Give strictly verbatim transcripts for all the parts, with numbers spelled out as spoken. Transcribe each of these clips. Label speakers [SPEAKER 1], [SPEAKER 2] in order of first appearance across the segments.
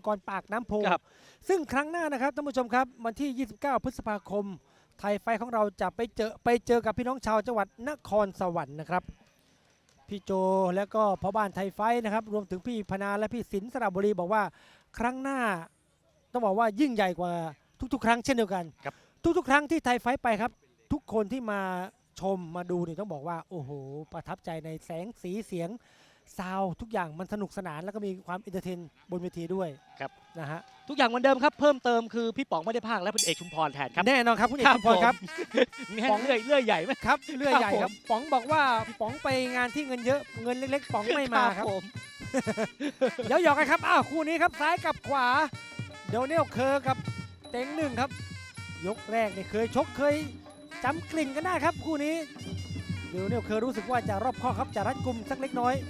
[SPEAKER 1] กรปากน้ำโพ
[SPEAKER 2] ครับ
[SPEAKER 1] ซึ่งครั้งหน้านะครับท่านผู้ชมครับวันที่ ยี่สิบเก้า พฤษภาคม ไทยไฟท์ของเราจะไปเจอไปเจอกับพี่น้องชาวจังหวัดนครสวรรค์นะครับพี่โจและก็พ่อบ้านไทยไฟท์นะครับรวมถึงพี่พนาและพี่สินสระบุรีบอกว่าครั้งหน้าต้องบอกว่ายิ่งใหญ่กว่าทุกๆ ครั้งเช่นเดียวกัน
[SPEAKER 2] ครับ
[SPEAKER 1] ทุกๆ ครั้งที่ไทยไฟท์ไปครับทุกคนที่มาชมมาดูนี่ต้องบอกว่าโอ้โหประทับใจในแสงสีเสียงซาวด์ทุกอย่างมันสนุกสนานแล้วก็มีความเอนเตอร์เทนบนเวทีด้วย
[SPEAKER 2] ครับ
[SPEAKER 1] นะฮะ
[SPEAKER 2] ทุกอย่างเหมือนเดิมครับเพิ่มเติมคือพี่ป๋องไม่ได้ภาคและคุณเอกชุมพรแทนครับ
[SPEAKER 1] แน่นอนครับคุณเอกชุมพรครับ
[SPEAKER 2] มีให้เลื่อยเลื่อยใหญ่ไหม
[SPEAKER 1] ครับเลื่อยใหญ่
[SPEAKER 2] ค
[SPEAKER 1] ค
[SPEAKER 2] รั
[SPEAKER 1] รั
[SPEAKER 2] บบ ผม
[SPEAKER 1] ป๋องบอกว่าป๋องไปงานที่เงินเยอะเงินเล็กๆป๋องไม่มาครับ
[SPEAKER 2] ผม
[SPEAKER 1] เดี๋ยวหยอกกันครับอ้าวคู่นี้ครับซ้ายกับขวาเดี๋ยวเนลเคอร์กับเต็งหนึ่งครับยกแรกเนี่ยเคยชกเคยจำกลิ่นกันได้ครับคู่นี้เดี๋ยวเนลเคอร์รู้สึกว่าจะรอบข้อครับจะรัดกุมสักเล็กน้อย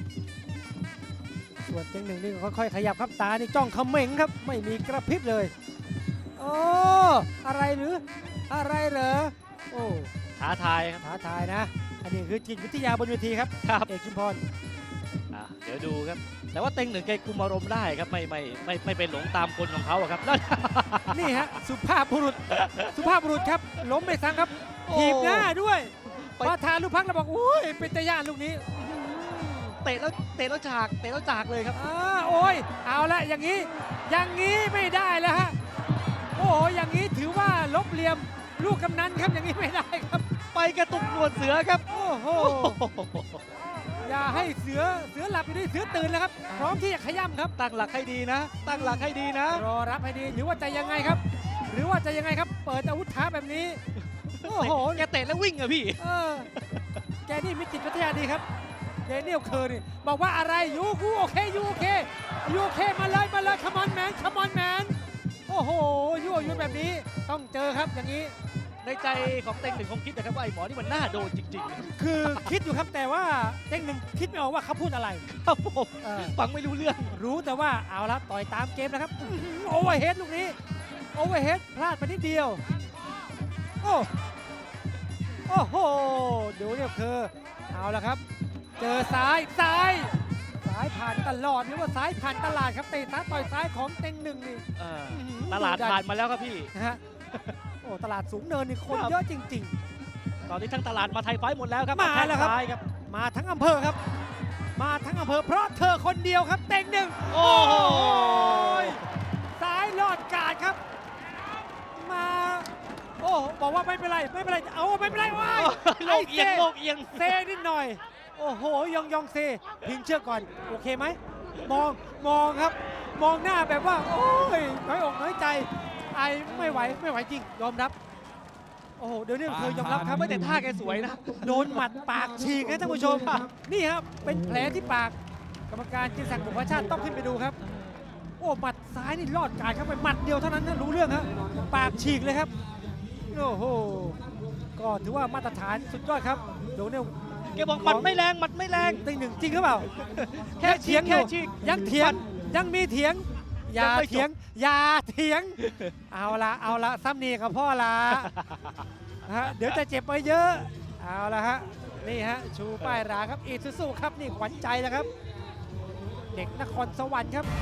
[SPEAKER 1] ส่วนเต็งหนึ่งนี่ค่อยๆขยับครับตานี่จ้องเขม็งครับไม่มีกระพริบเลยโอ้อะไรหรืออะไรเหรอโอ้
[SPEAKER 2] ท้าทายครับ
[SPEAKER 1] ท้าทายนะ อันนี้คือจิตวิทยาบนเวทีครับ
[SPEAKER 2] ครับ
[SPEAKER 1] เอกชุมพร
[SPEAKER 2] อ่ะเดี๋ยวดูครับ แต่ว่าเต็งหนึ่งแกคุมอารมณ์ได้ครับไม่ไม่ไม่ไม่เป็นหลงตามคนของเขาอะครับแล้ว
[SPEAKER 1] นี่ฮะ สุภาพบุรุษ สุภาพบุรุษครับ ล้มไปซ้ำครับ
[SPEAKER 2] โอ้
[SPEAKER 1] ถีบหน้าด้วย
[SPEAKER 2] ไป
[SPEAKER 1] พอทานลูกพักแล้วบอกอุ้ย เป็นตะย่านลูกนี้
[SPEAKER 2] เตะแล้วเตะแล้วฉากเตะแล้วจากเลยครับ
[SPEAKER 1] อ่าโอ้ย เอาละอย่างนี้ อย่างนี้ไม่ได้แล้วฮะ โอ้โห อย่างนี้ถือว่าลบเหลี่ยมลูกกำนันครับ อย่างนี้ไม่ได้ครับ
[SPEAKER 2] ไปกระตุกหนวดเสือครับ
[SPEAKER 1] โอ้โห อย่าให้เสือ เสือหลับอยู่นี่เสือตื่นแล้วครับ พร้อมที่จะขย้ำครับ
[SPEAKER 2] ตั้งหลักให้ดีนะ ตั้งหลักให้ดีนะ
[SPEAKER 1] รอรับให้ดีหรือว่าจะยังไงครับ หรือว่าจะยังไงครับ เปิดอาวุธท้าแบบนี้ โอ้โห
[SPEAKER 2] แกเตะแล้ววิ่งอะพี่
[SPEAKER 1] เออแกนี่มีจิตวิทยาดีครับเดนิเอลเคอร์นี่บอกว่าอะไรยูกูโอเคยูโอเคยูโอเคมาเลยมาเลยคัมอนแมนคัมอนแมนโอ้โหยั่วยุแบบนี้ต้องเจอครับอย่างนี้
[SPEAKER 2] ในใจของเต็งหนึ่งคงคิดนะครับว่าไอ้หมอนี่มันน่าโดนจริงๆนะครับ
[SPEAKER 1] คือคิดอยู่ครับแต่ว่าเต้งหนึ่งคิดไม่ออกว่าเขาพูดอะไร
[SPEAKER 2] ครับผม
[SPEAKER 1] เออ
[SPEAKER 2] ฟังไม่รู้เรื่อง
[SPEAKER 1] รู้แต่ว่าเอาละต่อยตามเกมนะครับโอเวอร์เฮดลูกนี้โอเวอร์เฮดพลาดไปนิดเดียวโอ้โอ้โหดูเนี่ยคือเอาละครับ เจอซ้ายซ้ายซ้ายผ่านตลอดหรือว่าซ้ายผ่านตลาดครับเตะซ้ายต่อยซ้ายของเต็งหนึ่งนี่
[SPEAKER 2] เออ
[SPEAKER 1] อื้อหือ
[SPEAKER 2] ตลาดผ่านมาแล้วครับพี่
[SPEAKER 1] นะฮะโอ้ตลาดสูงเนินนี่คน
[SPEAKER 2] ครับ
[SPEAKER 1] เยอะจริง
[SPEAKER 2] ตอนนี้ทั้งตลาดมาไทยไฟท์หมดแล้วครับ
[SPEAKER 1] มาแล้วครับ
[SPEAKER 2] ทงซ้ายครับ
[SPEAKER 1] ๆ มาทั้งอำเภอครับ มาทั้งอำเภอเพราะเธอคนเดียวครับเต็งหนึ่ง
[SPEAKER 2] โอ้โห
[SPEAKER 1] ซ้ายลอดกาดครับ มาโอ้บอกว่าไม่เป็นไรไม่เป็นไรเอาไม่เป็นไรว้าย
[SPEAKER 2] โลกเอียงโลกเอียง
[SPEAKER 1] เซนิดหน่อย โอ้โหยองยองเซพิงเชือกก่อนโอเคไหมมองมองครับ มองหน้าแบบว่า โอ้ยน้อยอกน้อยใจไอไม่ไหวไม่ไหวจริงยอมรับ โอ้โหเดี๋ยวนี้เคยยอมรับครับ
[SPEAKER 2] ไม่แต่ท่าแกสวยนะ
[SPEAKER 1] โดนหมัดปากฉีกนะท่านผู้ชม นี่ครับเป็นแผลที่ปากกรรมการจินศักดิ์บุพชาติต้องขึ้นไปดูครับ โอ้หมัดซ้ายนี่รอดกายครับไปหมัดเดียวเท่านั้นนะรู้เรื่องครับปากฉีกเลยครับโอ้โหก็ถือว่ามาตรฐานสุดยอดครับโดนเนี่ย
[SPEAKER 2] แกบอกหมัดไม่แรงหมัดไม่แรง
[SPEAKER 1] ตีหนึ่งจริงหรือเปล่า
[SPEAKER 2] แค่
[SPEAKER 1] ยังเถียงอ
[SPEAKER 2] แค่
[SPEAKER 1] ยู่
[SPEAKER 2] ฉีก
[SPEAKER 1] ยังเถียงยังมีเถียง อย่า
[SPEAKER 2] ยังไม่จบ
[SPEAKER 1] เถียงอย่าเถียง เอาละเอาละซ้ำนี่กับพ่อละฮะเดี๋ยวจะเจ็บไปเยอะเอาละฮะนี่ฮะชูป้ายราครับอีซูซูครับนี่ขวัญใจนะครับ เด็กนครสวรรค์ครับ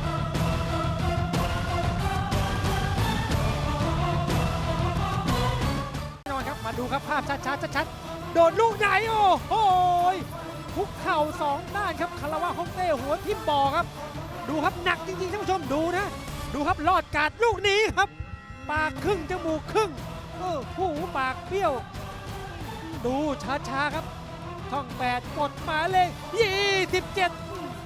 [SPEAKER 1] แน่นอนครับมาดูครับภาพชัดๆชัดๆโดนลูกไหนโอ้โหคุกเข่าสองด้านครับคาราวะฮ่องเต้หัวทิ่มบ่อครับ ดูครับหนักจริงๆท่านผู้ชมดูนะ ดูครับลอดกาดลูกนี้ครับ ปากครึ่งจมูกครึ่งเออหูปากเบี้ยว ดูช้าๆครับช่องแปดกดมาเลยยี่สิบเจ็ด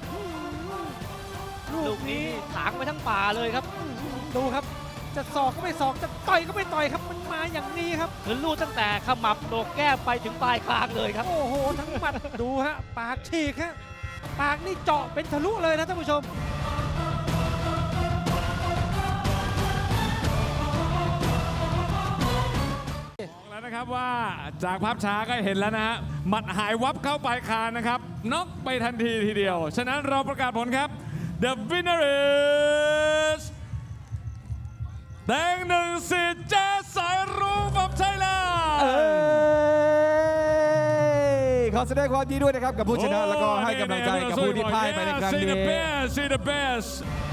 [SPEAKER 2] ลูกนี้ถางไปทั้งป่าเลยครับ
[SPEAKER 1] ดูครับจะศอกก็ไม่ศอกจะต่อยก็ไม่ต่อยครับมันมาอย่างนี้ครับ
[SPEAKER 2] คือลูกตั้งแต่ขมับโหนกแก้มไปถึงปลายคางเลยครับ
[SPEAKER 1] โอ้โหทั้งหมัด ดูฮะปากฉีกฮะปากนี่เจาะเป็นทะลุเลยนะท่านผู้ชม
[SPEAKER 3] บอกแล้วนะครับว่าจากภาพช้าก็เห็นแล้วนะฮะหมัดหายวับเข้าปลายคางนะครับน็อกไปทันทีทีเดียว ฉะนั้นเราประกาศผลครับ The winner is แดงหนึ่งสิทธิ์แจ๊สสายรุ้งfrom Thailand
[SPEAKER 4] เอ้ยขอแสดงความยินดีด้วยนะครับกับผู้ชนะแล้วก็ให้กำลังใจกับผู้ที่พ่ายไปในครั้ง
[SPEAKER 3] See the
[SPEAKER 4] นี้
[SPEAKER 3] best see the best